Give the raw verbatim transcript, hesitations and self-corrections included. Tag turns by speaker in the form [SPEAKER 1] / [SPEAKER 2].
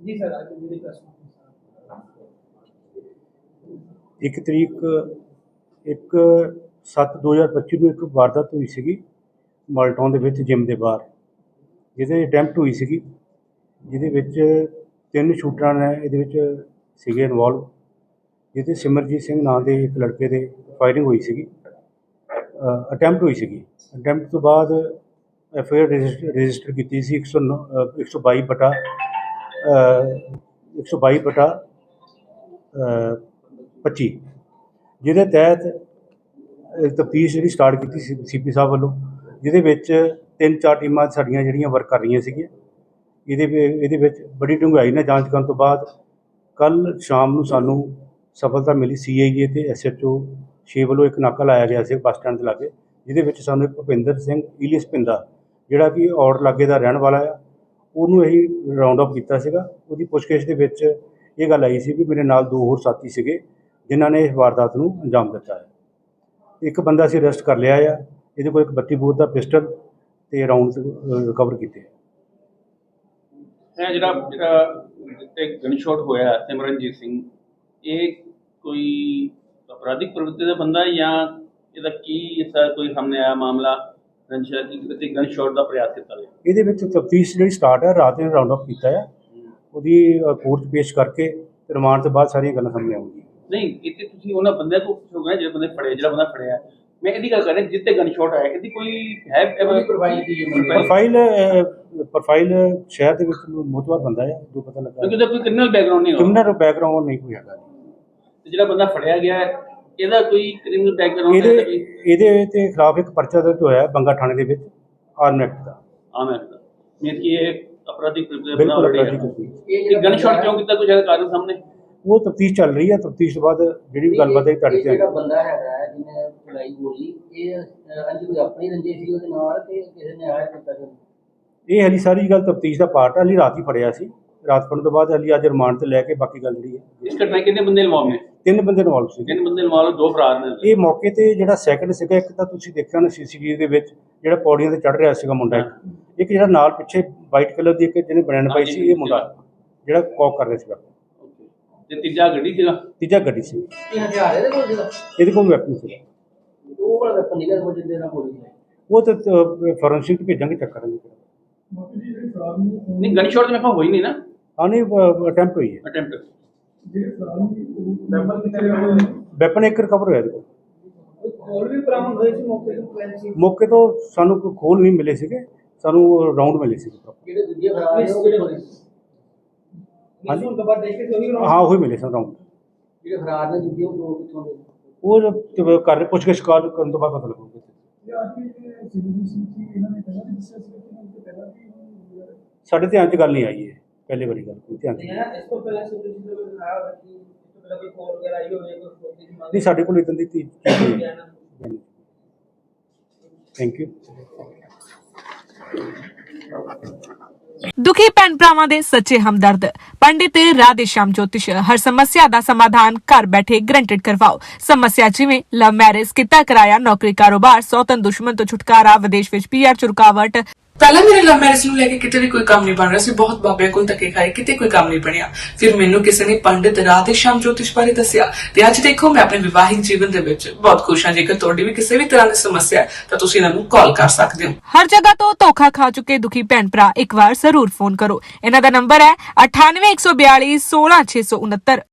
[SPEAKER 1] जी sir, आज मेरी प्रश्न
[SPEAKER 2] एक तरीक एक सत्त दो हज़ार पच्ची ਨੂੰ ਇੱਕ ਵਾਰਦਾਤ ਹੋਈ ਸੀਗੀ ਮਾਲਟਾਊਨ ਦੇ ਵਿੱਚ ਜਿਮ ਦੇ ਬਾਹਰ, ਜਿਹਦੇ ਅਟੈਂਪਟ ਹੋਈ ਸੀਗੀ, ਜਿਹਦੇ ਵਿੱਚ ਤਿੰਨ ਸ਼ੂਟਰਾਂ ਨੇ ਇਹਦੇ ਵਿੱਚ ਸੀਗੇ ਇਨਵੋਲਵ, ਜਿਹਦੇ ਸਿਮਰਜੀਤ ਸਿੰਘ ਨਾਂ ਦੇ ਇੱਕ ਲੜਕੇ ਦੇ ਫਾਇਰਿੰਗ ਹੋਈ ਸੀਗੀ, ਅਟੈਂਪਟ ਹੋਈ ਸੀਗੀ। ਅਟੈਂਪਟ ਤੋਂ ਬਾਅਦ ਐਫ ਆਈ ਆਰ ਰਜਿਸਟਰ ਕੀਤੀ ਸੀ ਇੱਕ ਸੌ ਨੌ ਇੱਕ ਸੌ ਬਾਈ ਬਟਾ ਇੱਕ ਸੌ ਬਾਈ ਬਟਾ ਪੱਚੀ, ਜਿਹਦੇ ਤਹਿਤ ਤਫਤੀਸ਼ ਜਿਹੜੀ ਸਟਾਰਟ ਕੀਤੀ ਸੀ ਸੀ ਪੀ ਸਾਹਿਬ ਵੱਲੋਂ, ਜਿਹਦੇ ਵਿੱਚ ਤਿੰਨ ਚਾਰ ਟੀਮਾਂ ਸਾਡੀਆਂ ਜਿਹੜੀਆਂ ਵਰਕ ਕਰ ਰਹੀਆਂ ਸੀਗੀਆਂ। ਇਹਦੇ ਇਹਦੇ ਵਿੱਚ ਬੜੀ ਡੂੰਘਾਈ ਨਾਲ ਜਾਂਚ ਕਰਨ ਤੋਂ ਬਾਅਦ ਕੱਲ੍ਹ ਸ਼ਾਮ ਨੂੰ ਸਾਨੂੰ ਸਫਲਤਾ ਮਿਲੀ। ਸੀ ਆਈ ਏ ਅਤੇ ਐਸ ਐਚ ਓ ਛੇ ਵੱਲੋਂ ਇੱਕ ਨਾਕਾ ਲਾਇਆ ਗਿਆ ਸੀ ਬੱਸ ਸਟੈਂਡ ਦੇ ਲਾਗੇ, ਜਿਹਦੇ ਵਿੱਚ ਸਾਨੂੰ ਇੱਕ ਭੁਪਿੰਦਰ ਸਿੰਘ ਈਲੀਅਸ ਪਿੰਦਾ, ਜਿਹੜਾ ਕਿ ਔੜ ਲਾਗੇ ਦਾ ਰਹਿਣ ਵਾਲਾ ਆ, ਉਹਨੂੰ ਅਸੀਂ ਰਾਊਂਡ ਅਪ ਕੀਤਾ ਸੀਗਾ। ਉਹਦੀ ਪੁੱਛਗਿੱਛ ਦੇ ਵਿੱਚ ਇਹ ਗੱਲ ਆਈ ਸੀ ਵੀ ਮੇਰੇ ਨਾਲ ਦੋ ਹੋਰ ਸਾਥੀ ਸੀਗੇ ਜਿਨ੍ਹਾਂ ਨੇ ਇਸ ਵਾਰਦਾਤ ਨੂੰ ਅੰਜਾਮ ਦਿੱਤਾ ਹੈ। ਇੱਕ ਬੰਦਾ ਅਸੀਂ ਅਰੈਸਟ ਕਰ ਲਿਆ ਆ, ਇਹਦੇ ਕੋਲ ਇੱਕ ਬੱਤੀ ਬੋਰ ਦਾ ਪਿਸਟਲ ਅਤੇ ਰਾਊਂਡ ਰਿਕਵਰ ਕੀਤੇ।
[SPEAKER 3] ਇਹ ਜਿਹੜਾ ਜਿਹੜਾ ਜਿੱਥੇ ਗਨ ਸ਼ਾਟ ਹੋਇਆ ਸਿਮਰਨਜੀਤ ਸਿੰਘ, ਇਹ ਕੋਈ ਅਪਰਾਧਿਕ ਪ੍ਰਵਿਰਤੀ ਦਾ ਬੰਦਾ ਜਾਂ ਇਹਦਾ ਕੀ ਐਸਾ ਕੋਈ ਸਾਹਮਣੇ ਆਇਆ ਮਾਮਲਾ ਰੰਜਿਸ਼ ਕਿ ਗਨ ਸ਼ਾਟ ਦਾ ਪ੍ਰਯਾਸ ਕੀਤਾ ਗਿਆ?
[SPEAKER 2] ਇਹਦੇ ਵਿੱਚ ਤਫਤੀਸ਼ ਜਿਹੜੀ ਸਟਾਰਟ ਹੈ, ਰਾਤ ਨੂੰ ਰਾਊਂਡ ਅਪ ਕੀਤਾ ਆ, ਉਹਦੀ ਕੋਰਟ 'ਚ ਪੇਸ਼ ਕਰਕੇ ਰਿਮਾਂਡ ਤੋਂ ਬਾਅਦ ਸਾਰੀਆਂ ਗੱਲਾਂ ਸਾਹਮਣੇ ਆਉਣਗੀਆਂ।
[SPEAKER 3] ਨਹੀਂ, ਇੱਥੇ ਤੁਸੀਂ ਉਹਨਾਂ ਬੰਦਿਆਂ ਕੋਲ ਪੁੱਛੋਗੇ ਜਿਹੜੇ ਬੰਦੇ ਫੜੇ, ਜਿਹੜਾ ਬੰਦਾ ਫੜਿਆ, ਮੈਂ ਇਹਦੀ ਗੱਲ ਕਰ ਰਿਹਾ ਜਿੱਤੇ ਗਨ ਸ਼ਾਟ ਆਇਆ, ਇਹਦੀ ਕੋਈ ਹੈ ਪ੍ਰੋਫਾਈਲ ਦੀ
[SPEAKER 2] ਪ੍ਰੋਫਾਈਲ ਪ੍ਰੋਫਾਈਲ ਸ਼ਹਿਰ ਦੇ ਵਿੱਚ ਮੋਤਬਰ ਬੰਦਾ ਹੈ, ਜੋ ਪਤਾ ਲੱਗਾ
[SPEAKER 3] ਕਿਉਂਕਿ ਕੋਈ ਕ੍ਰਿਮੀਨਲ ਬੈਕਗ੍ਰਾਉਂਡ ਨਹੀਂ,
[SPEAKER 2] ਕ੍ਰਿਮੀਨਲ ਬੈਕਗ੍ਰਾਉਂਡ ਨਹੀਂ ਕੋਈ ਹੈਗਾ।
[SPEAKER 3] ਜਿਹੜਾ ਬੰਦਾ ਫੜਿਆ ਗਿਆ ਇਹਦਾ ਕੋਈ ਕ੍ਰਿਮੀਨਲ ਬੈਕਗ੍ਰਾਉਂਡ
[SPEAKER 2] ਇਹਦੇ ਇਹਦੇ ਤੇ ਖਿਲਾਫ ਇੱਕ ਪਰਚਾ ਦਰਜ ਹੋਇਆ ਬੰਗਾ ਥਾਣੇ ਦੇ ਵਿੱਚ ਆਰਮ ਐਕਟ ਦਾ।
[SPEAKER 3] ਆਰਮ ਐਕਟ ਦਾ ਮੀਨਸ ਕਿ ਇਹ ਅਪਰਾਧਿਕ ਪ੍ਰਵਿਰਤੀ
[SPEAKER 2] ਬਿਲਕੁਲ
[SPEAKER 3] ਬਣਾ
[SPEAKER 2] ਅਪਰਾਧਿਕ।
[SPEAKER 3] ਇਹ ਗਨ ਸ਼ਾਟ ਕਿਉਂ ਕੀਤਾ, ਕੁਝ ਕਾਰਨ ਸਾਹਮਣੇ?
[SPEAKER 2] ਉਹ ਤਫਤੀਸ਼ ਚੱਲ ਰਹੀ ਹੈ, ਤਫਤੀਸ਼ ਤੋਂ ਬਾਅਦ ਜਿਹੜੀ ਵੀ ਗੱਲਬਾਤ ਹੈ ਤੁਹਾਡੇ
[SPEAKER 1] ਜਿਹੜਾ ਬੰਦਾ ਹੈਗਾ ਜਿਹਨੇ ਚਲਾਈ ਗੋਲੀ, ਇਹ ਅੰਜ ਕੋਈ ਆਪਣੀ ਰੰਜਿਸ਼ ਸੀ ਉਹਦੇ ਨਾਲ ਤੇ ਕਿਸੇ ਨੇ ਆਇਆ ਕੀਤਾ ਸੀ?
[SPEAKER 2] ਇਹ ਹਲੀ ਸਾਰੀ ਗੱਲ ਤਫਤੀਸ਼ ਦਾ ਪਾਰਟ ਹੈ। ਹਲੀ ਰਾਤ ਹੀ ਫੜਿਆ ਸੀ, ਰਾਤ ਫੜਨ ਤੋਂ ਬਾਅਦ ਹਲੀ ਅੱਜ ਰਿਮਾਂਡ ਤੇ ਲੈ ਕੇ ਬਾਕੀ ਗੱਲ ਜਿਹੜੀ ਹੈ।
[SPEAKER 3] ਇਸ ਘਟਨਾ ਕਿੰਨੇ ਬੰਦੇ ਇਨਵੋਲਵ ਨੇ?
[SPEAKER 2] ਤਿੰਨ ਬੰਦੇ ਇਨਵੋਲਵ ਸੀ।
[SPEAKER 3] ਤਿੰਨ ਬੰਦੇ ਇਨਵੋਲਵ, ਦੋ ਫਰਾਰ ਨੇ।
[SPEAKER 2] ਇਹ ਮੌਕੇ ਤੇ ਜਿਹੜਾ ਸੈਕਿੰਡ ਸੀਗਾ, ਇੱਕ ਤਾਂ ਤੁਸੀਂ ਦੇਖਿਆ ਨਾ ਸੀ ਸੀ ਟੀ ਵੀ ਦੇ ਵਿੱਚ, ਜਿਹੜਾ ਪੌੜੀਆਂ ਤੇ ਚੜ੍ਹ ਰਿਹਾ ਸੀਗਾ ਮੁੰਡਾ, ਇੱਕ ਇੱਕ ਜਿਹੜਾ ਨਾਲ ਪਿੱਛੇ ਵਾਈਟ ਕਲਰ ਦੀ ਇੱਕ ਜਿਹਨੇ ਬਨੈਣ ਪਾਈ ਸੀ, ਇਹ ਮੁੰਡਾ ਜਿਹੜਾ ਕੌਕ ਕਰ ਰਿਹਾ ਸੀਗਾ।
[SPEAKER 3] ਤੇ ਤੀਜਾ ਗੱਡੀ ਸੀਗਾ?
[SPEAKER 2] ਤੀਜਾ ਗੱਡੀ ਸੀ।
[SPEAKER 1] ਇਹ ਹਥਿਆਰ ਇਹਦੇ ਕੋਲ ਸੀਗਾ?
[SPEAKER 2] ਇਹਦੇ ਕੋਲ ਵੈਪਨ ਸੀਗਾ।
[SPEAKER 1] ਉਹ ਵਾਲਾ ਵੈਪਨ ਨਿਕਲ ਕੋਲ ਜਿੰਦੇ ਨਾਲ ਗੋਲੀ ਚਲਾਈ?
[SPEAKER 2] ਉਹ ਤਾਂ ਫੋਰੈਂਸਿਕ ਤੇ ਭੇਜਾਂਗੇ, ਚੈੱਕ ਕਰਾਂਗੇ।
[SPEAKER 3] ਨਹੀਂ, ਗਨ ਸ਼ਾਟ ਤਾਂ ਮੈਂ ਕਿਹਾ ਹੋਈ ਨਹੀਂ ਨਾ?
[SPEAKER 2] ਹਾਂ ਨਹੀਂ, ਅਟੈਂਪਟ ਹੋਈ ਹੈ।
[SPEAKER 3] ਅਟੈਂਪਟ।
[SPEAKER 2] ਵੈਪਨ ਇੱਕ ਰਿਕਵਰ ਹੋਇਆ ਇਹਦੇ ਕੋਲ।
[SPEAKER 1] ਹੋਰ ਵੀ ਬਰਾਮਦ ਹੋਏ ਸੀ ਮੌਕੇ ਤੋਂ?
[SPEAKER 2] ਮੌਕੇ ਤੋਂ ਸਾਨੂੰ ਕੋਈ ਖੋਲ ਨਹੀਂ ਮਿਲੇ ਸੀਗੇ, ਸਾਨੂੰ ਰਾਊਂਡ ਮਿਲੇ ਸੀਗੇ।
[SPEAKER 1] ਜਿਹੜੇ ਦੂਜੇ ਫਰਾਰ ਨੇ ਉਹ ਕਿਹੜੇ ਹੋਏ?
[SPEAKER 2] ਹਾਂਜੀ,
[SPEAKER 1] ਹੁਣ ਤੋਂ ਬਾਅਦ ਦੇਖ ਕੇ ਉਹੀ
[SPEAKER 2] ਹਾਂ ਉਹੀ ਮਿਲੇ ਸਨ ਰਾਊਂਡ।
[SPEAKER 1] ਜਿਹੜੇ ਫਰਾਰ ਨੇ ਦੂਜੇ ਉਹ ਦੋ ਕਿੱਥੋਂ ਦੇ?
[SPEAKER 2] ਉਹ ਘਰ ਪੁੱਛਗਿੱਛ ਕਾਲ ਕਰਨ ਤੋਂ ਬਾਅਦ ਪਤਾ ਲੱਗੂਗਾ। ਸਾਡੇ ਧਿਆਨ 'ਚ ਗੱਲ ਨਹੀਂ ਆਈ ਹੈ, ਪਹਿਲੀ ਵਾਰੀ ਗੱਲ ਕੋਈ ਧਿਆਨ 'ਚ
[SPEAKER 1] ਇਸ ਤੋਂ ਪਹਿਲਾਂ ਸਿਵਲ ਜੀ ਨੂੰ ਦਿਖਾਇਆ ਹੋਇਆ ਕਿ ਇਸ ਤੋਂ ਪਹਿਲਾਂ ਕੋਈ ਕਾਲ ਵਗੈਰਾ ਆਈ ਹੋਵੇ, ਕੋਈ ਫੋਟੋ ਦੀ ਮੰਗ?
[SPEAKER 2] ਨਹੀਂ, ਸਾਡੇ ਕੋਲ ਇਦਾਂ ਦੀ ਚੀਜ਼ ਨਹੀਂ ਹੈ। Thank you.
[SPEAKER 4] ਦੁਖੀ ਭੈਣ ਭਰਾਵਾਂ ਦੇ ਸੱਚੇ ਹਮਦਰਦ ਪੰਡਿਤ ਰਾਧੇ ਸ਼ਾਮ ਜੋਤਿਸ਼ ਹਰ ਸਮੱਸਿਆ ਦਾ ਸਮਾਧਾਨ ਘਰ ਬੈਠੇ ਗਰੰਟਡ ਕਰਵਾਓ। ਸਮੱਸਿਆ ਜਿਵੇਂ ਲਵ ਮੈਰਿਜ, ਕਿੱਤਾ ਕਿਰਾਇਆ, ਨੌਕਰੀ ਕਾਰੋਬਾਰ, ਸੌਤਨ ਦੁਸ਼ਮਣ ਤੋਂ ਛੁਟਕਾਰਾ, ਵਿਦੇਸ਼ ਵਿੱਚ ਪੀ ਆਰ ਚ ਰੁਕਾਵਟ।
[SPEAKER 5] ਪਹਿਲਾਂ ਮੇਰੇ ਲਵ ਮੈਰਿਜ ਨੂੰ ਲੈ ਕੇ ਕਿਤੇ ਵੀ ਕੋਈ ਕੰਮ ਨਹੀਂ ਬਣ ਰਿਹਾ ਸੀ, ਬਹੁਤ ਬਾਬਿਆਂ ਕੋਲ ਧੱਕੇ ਖਾਏ, ਕਿਤੇ ਕੋਈ ਕੰਮ ਨਹੀਂ ਬਣਿਆ। ਫਿਰ ਮੈਨੂੰ ਕਿਸੇ ਨੇ ਪੰਡਿਤ ਰਾਧੇ ਸ਼ਾਮ ਜੋਤਿਸ਼ ਬਾਰੇ ਦੱਸਿਆ ਤੇ ਅੱਜ ਦੇਖੋ ਮੈਂ ਆਪਣੇ ਵਿਵਾਹਿਕ ਜੀਵਨ ਦੇ ਵਿੱਚ ਬਹੁਤ ਖੁਸ਼ ਹਾਂ। ਜੇਕਰ ਤੁਹਾਡੀ ਵੀ ਕਿਸੇ ਵੀ ਤਰ੍ਹਾਂ ਦੀ ਸਮੱਸਿਆ ਹੈ ਤਾਂ ਤੁਸੀਂ ਇਹਨਾਂ ਨੂੰ ਕਾਲ ਕਰ ਸਕਦੇ ਹੋ।
[SPEAKER 4] ਹਰ ਜਗ੍ਹਾ ਤੋਂ ਧੋਖਾ ਖਾ ਚੁੱਕੇ ਦੁਖੀ ਭੈਣ ਭਰਾ ਇੱਕ ਵਾਰ ਜ਼ਰੂਰ ਫੋਨ ਕਰੋ। ਇਹਨਾਂ ਦਾ ਨੰਬਰ ਹੈ ਅਠਾਨਵੇਂ ਇੱਕ ਸੌ ਬਿਆਲੀ ਸੋਲਾਂ ਛੇ ਸੌ ਉਨੱਤਰ।